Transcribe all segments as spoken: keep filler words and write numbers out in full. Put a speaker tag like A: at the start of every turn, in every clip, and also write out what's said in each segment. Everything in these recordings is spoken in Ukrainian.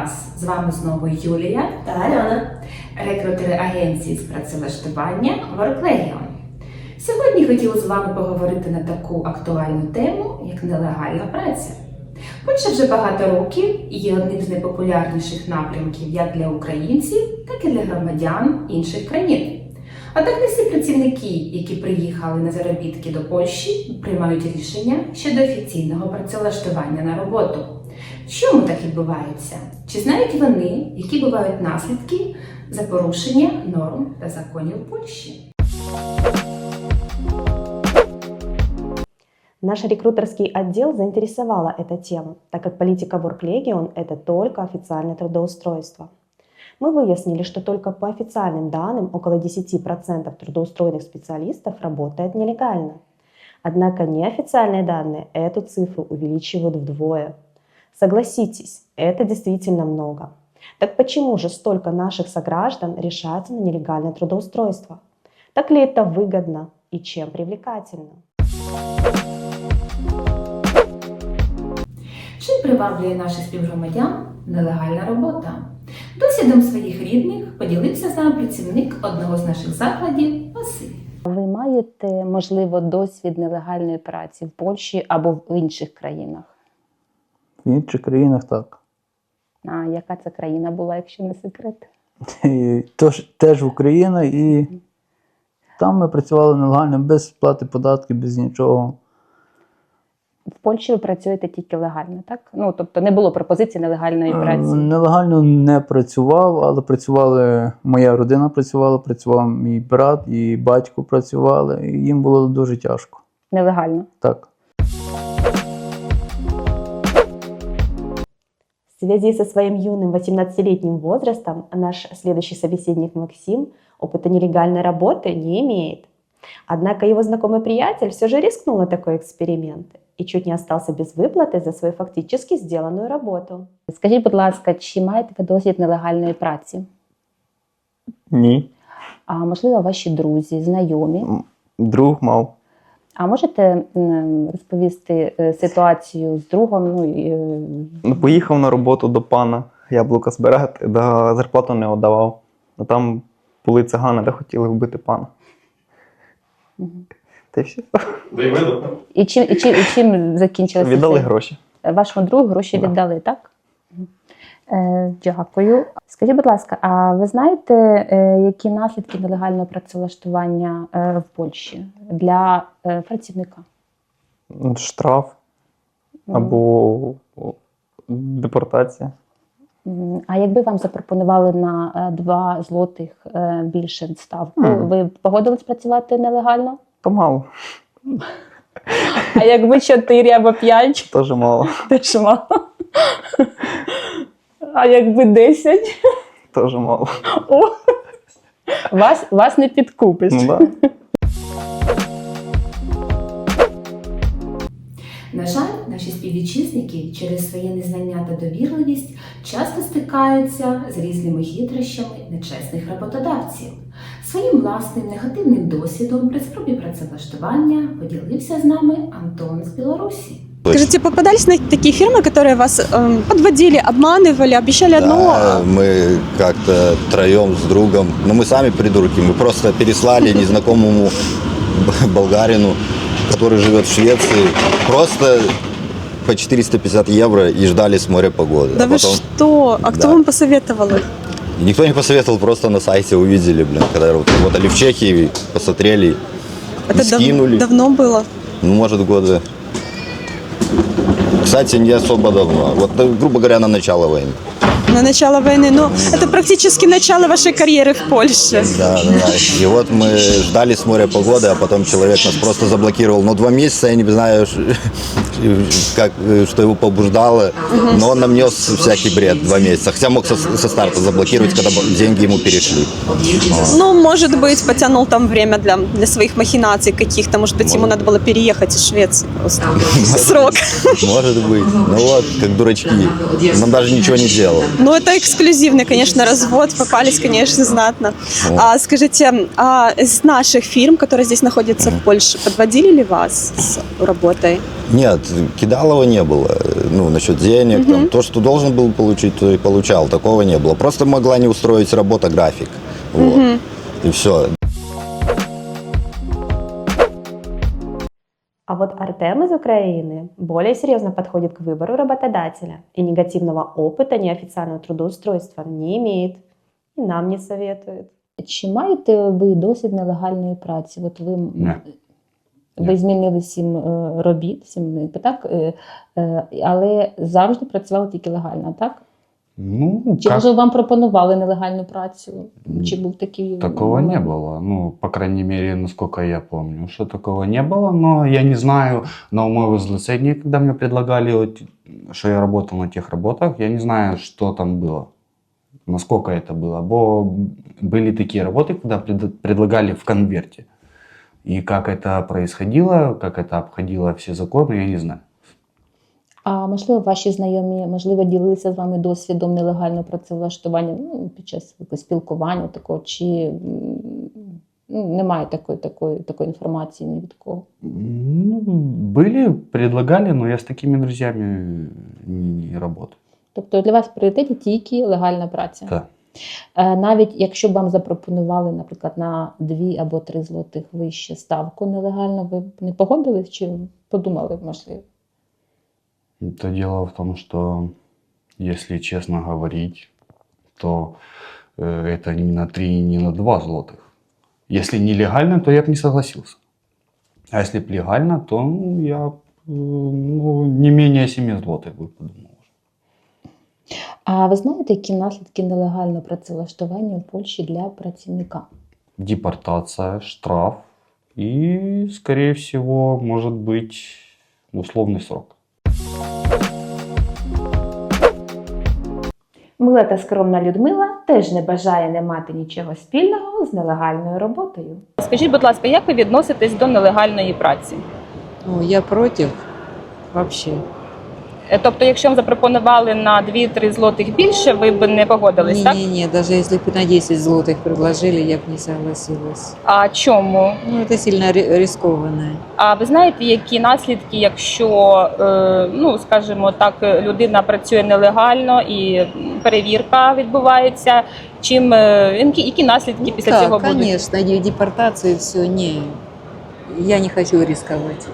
A: вас! З вами знову Юлія
B: та Альона,
A: рекрутери агенції з працевлаштування WorkLegion. Сьогодні хотіла з вами поговорити на таку актуальну тему, як нелегальна праця. Польща вже багато років є одним з найпопулярніших напрямків як для українців, так і для громадян інших країн. Однак не всі працівники, які приїхали на заробітки до Польщі, приймають рішення щодо офіційного працевлаштування на роботу. Чому так відбувається? Чи знають вони, які бувають наслідки за порушення норм та законів Польщі?
B: Наш рекрутерский отдел заинтересовала эта тема, так как политика WorkLegion – это только официальное трудоустройство. Мы выяснили, что только по официальным данным около десять процентов трудоустроенных специалистов работает нелегально. Однако неофициальные данные эту цифру увеличивают вдвое. Согласитесь, это действительно много. Так почему же столько наших сограждан решаются на нелегальное трудоустройство? Так ли это выгодно и чем привлекательно?
A: Чим приваблює наших співгромадян нелегальна робота? Досвідом своїх рідних поділився з нами працівник одного з наших закладів Василь.
C: Ви маєте, можливо, досвід нелегальної праці в Польщі або в інших країнах?
D: В інших країнах так.
C: А яка це країна була, якщо не секрет?
D: І тож, теж Україна, і там ми працювали нелегально, без сплати податків, без нічого.
C: В Польщі ви працюєте тільки легально, так? Ну, тобто не було пропозиції нелегальної праці?
D: Нелегально не працював, але працювали, моя родина працювала, працював мій брат і батько працювали, і їм було дуже тяжко.
C: Нелегально?
D: Так.
B: В связи со своим юным восемнадцатилетним возрастом наш следующий собеседник Максим опыта нелегальной работы не имеет. Однако его знакомый приятель все же рискнул на такой эксперимент и чуть не остался без выплаты за свою фактически сделанную работу.
C: Скажіть, будь ласка, чи маєте ви досвід нелегальної праці?
D: Ні.
C: А можливо, ваші друзі, знайомі?
D: Друг мав.
C: А можете м, розповісти е, ситуацію з другом? Ну, і, е,
E: Ну, поїхав на роботу до пана яблука збирати, да зарплату не віддавав. А там були цигани, де хотіли вбити пана.
C: Мгм.
E: Та й все.
C: І чим, і чим, і чим закінчилося?
E: Віддали
C: це?
E: гроші.
C: Вашому другу гроші
E: Да.
C: віддали, так? Е, дякую. Скажіть, будь ласка, а ви знаєте, е, які наслідки нелегального працевлаштування е, в Польщі для е, працівника?
E: Штраф
C: Мгм.
E: або о, депортація.
C: М, А якби вам запропонували на е, два злотих е, більше ставку,
E: Мгм.
C: ви б погодились працювати нелегально?
E: То мало,
C: А якби чотири або п'ять,
E: теж мало,
C: теж мало. А якби десять?
E: теж мало.
C: О! Вас, вас не підкупиш.
E: Ну, да.
A: На жаль, наші співвітчизники через своє незнання та довірливість часто стикаються з різними хитрощами нечесних роботодавців. Своїм власним негативним досвідом при спробі працевлаштування поділився з нами Антон з Білорусі.
F: Скажите, попадались на такие фирмы, которые вас э, подводили, обманывали, обещали одно?
G: Да, мы как-то троем с другом, ну мы сами придурки, мы просто переслали незнакомому болгарину, который живет в Швеции, просто по четыреста пятьдесят евро и ждали с моря погоды.
F: Да
G: А
F: вы
G: потом...
F: что? А кто
G: Да.
F: вам посоветовал?
G: И никто не посоветовал, просто на сайте увидели, блин, когда вот работали в Чехии, посмотрели, и
F: Это дав-
G: скинули.
F: давно было?
G: Ну, может, года. Кстати, не особо давно. Вот, ну, грубо говоря, на начало войны.
F: На начало войны. Но это практически начало вашей карьеры в Польше.
G: Да, да, да. И вот мы ждали с моря погоды, а потом человек нас просто заблокировал. Но два месяца, я не знаю, ш- как, что его побуждало, но он нам нес всякий бред два месяца. Хотя мог со, со старта заблокировать, когда б- деньги ему перешли.
F: Ну, может быть, потянул там время для, для своих махинаций каких-то. Может быть, ему надо было переехать из Швеции просто. Срок.
G: Может быть. Ну вот, как дурачки. Нам даже ничего не делал.
F: Ну, это эксклюзивный, конечно, развод. Попались, конечно, знатно.
G: Вот.
F: А скажите, а из наших фирм, которые здесь находятся в Польше, подводили ли вас с работой?
G: Нет, кидалова не было. Ну, насчет денег, там, то, что должен был получить, то и получал. Такого не было. Просто могла не устроить работа, график. Вот. И все.
B: А вот Артем из Украины более серьезно подходит к выбору работодателя и негативного опыта неофициального трудоустройства не имеет и нам не советует.
C: Чи маєте ви досвід нелегальної праці? От ви,
H: Ні.
C: ви
H: Ні.
C: змінили сім е, робіт, сім, якби так, е, е, але завжди працювали тільки легально, так?
H: Ну,
C: Чи
H: как-
C: може вам пропонували нелегальну працю? Чи був такий
H: такого не
C: момент?
H: было. Ну, по крайней мере, насколько я помню, что такого не было. Но я не знаю, на моего возлицения, когда мне предлагали, вот, что я работал на тех работах, я не знаю, что там было. Насколько это было. Бо были такие работы, когда пред- предлагали в конверте. И как это происходило, как это обходило все законы, я не знаю.
C: А можливо, ваші знайомі, можливо, ділилися з вами досвідом нелегального працевлаштування, ну, під час якогось спілкування такого, чи м, ну, немає такої, такої, такої інформації ні від кого?
H: Ну, были, предлагали, но я с такими друзьями не, не работаю.
C: Тобто для вас в пріоритеті тільки легальна праця?
H: Да.
C: Е, Навіть якщо б вам запропонували, наприклад, на дві або три злотих вище ставку нелегально, ви б не погодились чи подумали, можливо?
H: Это дело в том, что, если честно говорить, то э, это не на три, не на два злотых. Если нелегально, то я бы не согласился. А если б легально, то ну, я б, э, ну, не менее семи злотых бы подумал.
C: А ви знаєте, які наслідки нелегального працевлаштування в Польщі для працівника?
H: Депортация, штраф и, скорее всего, может быть условный срок.
B: Мила та скромна Людмила теж не бажає не мати нічого спільного з нелегальною роботою.
C: Скажіть, будь ласка, як ви відноситесь до нелегальної праці?
I: Ну, я против вообще.
C: Е, Тобто, якщо вам запропонували на дві-три злотих більше, ви б не погодились, так?
I: Не-не-не, даже если бы на десять злотых предложили, я бы не согласилась.
C: А чому?
I: Ну, это сильно ри- рискованно.
C: А ви знаєте, які наслідки, якщо, е, ну, скажімо так, людина працює нелегально і перевірка відбувається, чим, е, які, які наслідки після
I: Да,
C: цього будуть?
I: конечно, и депортация, все, не. Я не хочу рисковать.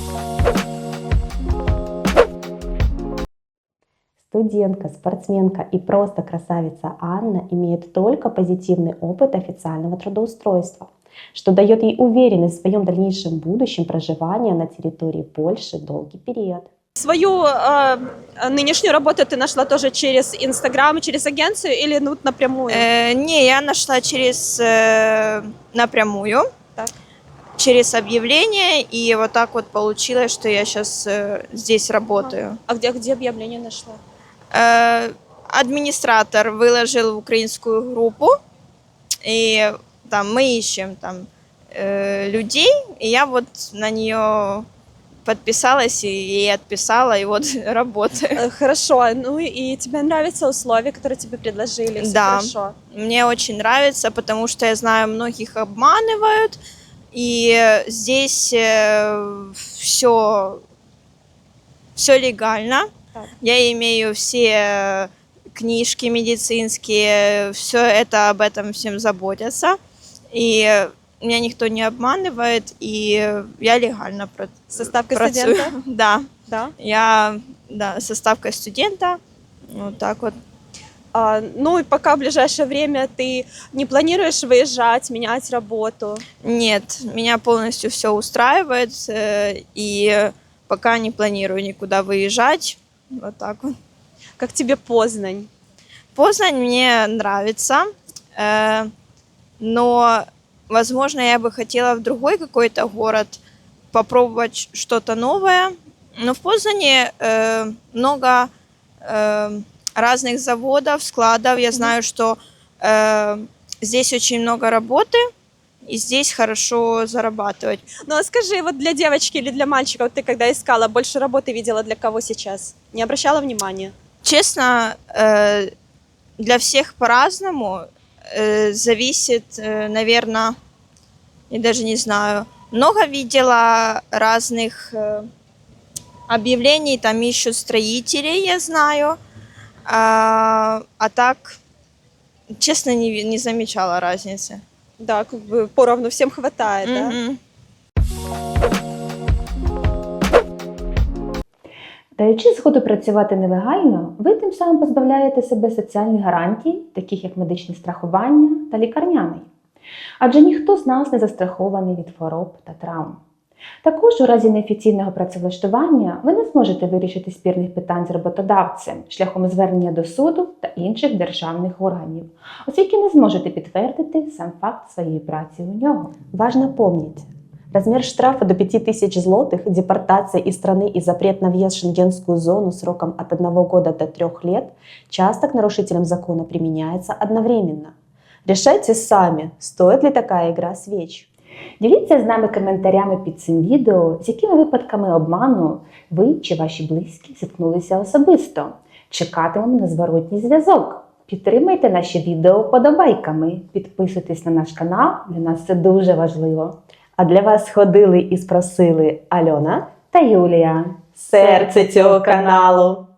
B: Студентка, спортсменка и просто красавица Анна имеет только позитивный опыт официального трудоустройства, что дает ей уверенность в своем дальнейшем будущем проживания на территории Польши долгий период.
F: Свою э, нынешнюю работу ты нашла тоже через Инстаграм, через агенцию или ну, напрямую?
J: Э, не, я нашла через э, напрямую,
F: Так.
J: через объявление, и вот так вот получилось, что я сейчас э, здесь работаю.
F: А где, где объявление нашла?
J: Э, администратор выложил в украинскую группу, и там мы ищем там э, людей, и я вот на нее подписалась и ей отписала, и вот работаю.
F: Э, Хорошо, ну и тебе нравятся условия, которые тебе предложили? Всё
J: Да.
F: Хорошо.
J: Мне очень нравится, потому что я знаю, многих обманывают, и здесь все, все легально.
F: Так.
J: Я имею все книжки медицинские, все это об этом всем заботятся. И меня никто не обманывает, и я легально пра-
F: Со ставкой
J: працюю.
F: студента?
J: Да,
F: Да.
J: я да, со ставкой студента. Вот так вот.
F: А, ну и пока в ближайшее время ты не планируешь выезжать, менять работу?
J: Нет, меня полностью все устраивает, э, и пока не планирую никуда выезжать. Вот так вот.
F: Как тебе Познань?
J: Познань мне нравится, э, но, возможно, я бы хотела в другой какой-то город попробовать что-то новое. Но в Познане э, много э, разных заводов, складов. Я знаю, что э, здесь очень много работы, и здесь хорошо зарабатывать.
F: Ну а скажи, вот для девочки или для мальчика, вот ты когда искала, больше работы видела для кого сейчас? Не обращала внимания?
J: Честно, э, для всех по-разному. Э, зависит, э, наверное, я даже не знаю. Много видела разных э, объявлений, там ищут строителей, я знаю. А, а так, честно, не, не замечала разницы.
F: Да, как бы поровну всем хватает, да?
J: Мгм.
A: Даючи згоду працювати нелегально, ви тим самим позбавляєте себе соціальних гарантій, таких як медичне страхування та лікарняний. Адже ніхто з нас не застрахований від хвороб та травм. Також у разі неофіційного працевлаштування ви не зможете вирішити спірних питань з роботодавцем шляхом звернення до суду та інших державних органів, оскільки не зможете підтвердити сам факт своєї праці у нього.
B: Важно помнить, размер штрафа до пяти тысяч злотых, депортация из страны и запрет на въезд в шенгенскую зону сроком от одного года до трех лет часто к нарушителям закона применяется одновременно. Решайте сами, стоит ли такая игра свеч.
A: Діліться з нами коментарями під цим відео, з якими випадками обману ви чи ваші близькі зіткнулися особисто. Чекатимемо на зворотній зв'язок. Підтримайте наші відео вподобайками, підписуйтесь на наш канал, для нас це дуже важливо.
B: А для вас ходили і спросили Альона
A: Та Юлія.
B: серце цього каналу.